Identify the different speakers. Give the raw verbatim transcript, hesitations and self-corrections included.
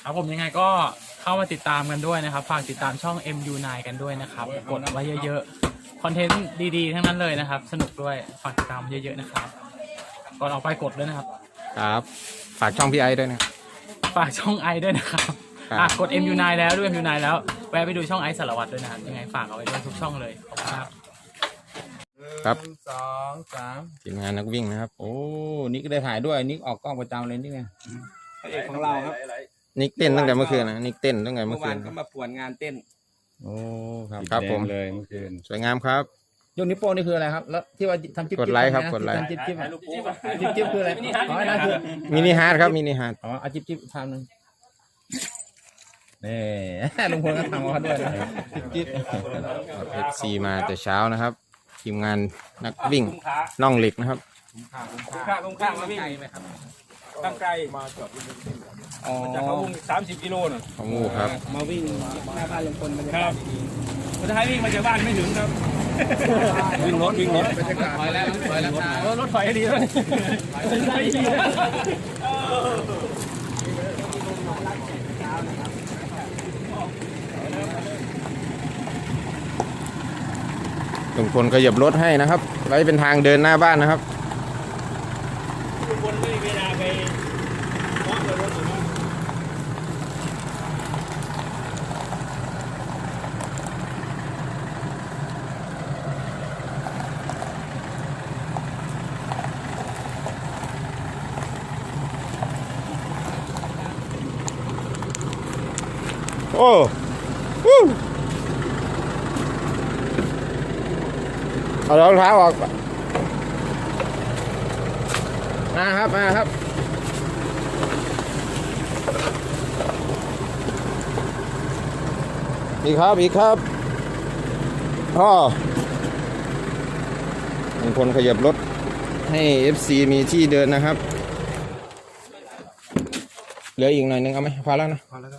Speaker 1: ครับผมยังไงก็เข้ามาติดตามกันด้วยนะครับฝากติดตามช่อง เอ็ม ยู ไนน์ กันด้วยนะครับกดไว้เยอะๆคอนเทนต์ดีๆทั้งนั้นเลยนะครับสนุกด้วยฝากติดตามเยอะๆนะครับก่อนออกไปกดด้วยนะครับ
Speaker 2: ครับฝากช่องพี่ไอ้ด้วยนะ
Speaker 1: ฝากช่องไอด้วยนะครับอ่ะกด เอ็ม ยู ไนน์ แล้วด้วย เอ็ม ยู ไนน์ แล้วแวะไปดูช่องไอสารวัตรด้วยนะครับยังไงฝากเอาไว้ด้วยทุกช่องเลยขอบคุณครับ
Speaker 2: ครับ
Speaker 3: สองสาม
Speaker 2: ทีมงานนักวิ่งนะครับ
Speaker 3: โอ้นิกได้ถ่ายด้วยนิกออกกล้องประจำเลยนี่ไงพระเอกของเราครับ
Speaker 2: นิกเต้นตั้งแต่เมื่อคืนนะนิกเต้นตั้งแต่เมื่
Speaker 3: เมื่
Speaker 2: อ
Speaker 3: อ
Speaker 2: คื
Speaker 3: วาน
Speaker 2: น
Speaker 3: เขามาป่วนงานเต้นโอ้ครับ
Speaker 2: ครับผม
Speaker 3: เลยเมื่อคืน
Speaker 2: สวยงามครับ
Speaker 3: ยกนิ้วโป้งนี่คืออะไรครับแล้วที่ว่าทำจิ๊บ
Speaker 2: กดไลค์ครับกดไลค์
Speaker 3: จิ๊บจิ๊บจิ๊บจิ๊บคืออะไรอ๋อนั่นคือ
Speaker 2: มินิฮาร์ดครับมินิฮาร์ด
Speaker 3: อ๋อเอาจิ๊บจิ๊บทำหนึ่งนี่ลุงพลก็ทำมาด้วยนะจิ๊บจิ๊บ
Speaker 2: เอฟซีมาแต่เช้านะครับทีมงานนักวิ่งน่องเหล็กนะครับ
Speaker 4: คุ้มค่าคุ้มค่ามาวิ่งตั้งไกลมาจากเขาวิ่งสามสิบกิโลน่ะ
Speaker 2: ของงูครับ
Speaker 3: มาวิ่งหน้าบ้านลุงพลมัน
Speaker 4: ครับคนไทยวิ่งมาจากบ้านไม่ถึงครับวิ่งรถวิ่งรถ
Speaker 3: ถอยแล้วถอยแล้ว
Speaker 4: เออรถไฟดีเลยใช่ดีเลย
Speaker 2: ลุงพลขยับรถให้นะครับไว้เป็นทางเดินหน้าบ้านนะครับ
Speaker 4: คนไม่มีเวลาไปมองรถอยู่นะ
Speaker 2: โอ้วู้เอารองเท้าออกมาครับมาครับอีกครับอีกครับพ่อลุงพลขยับรถให้ เอฟ ซี มีที่เดินนะครับเหลืออีกหน่อยนึงเอาไหมพอแล้วนะพอแล้วครับ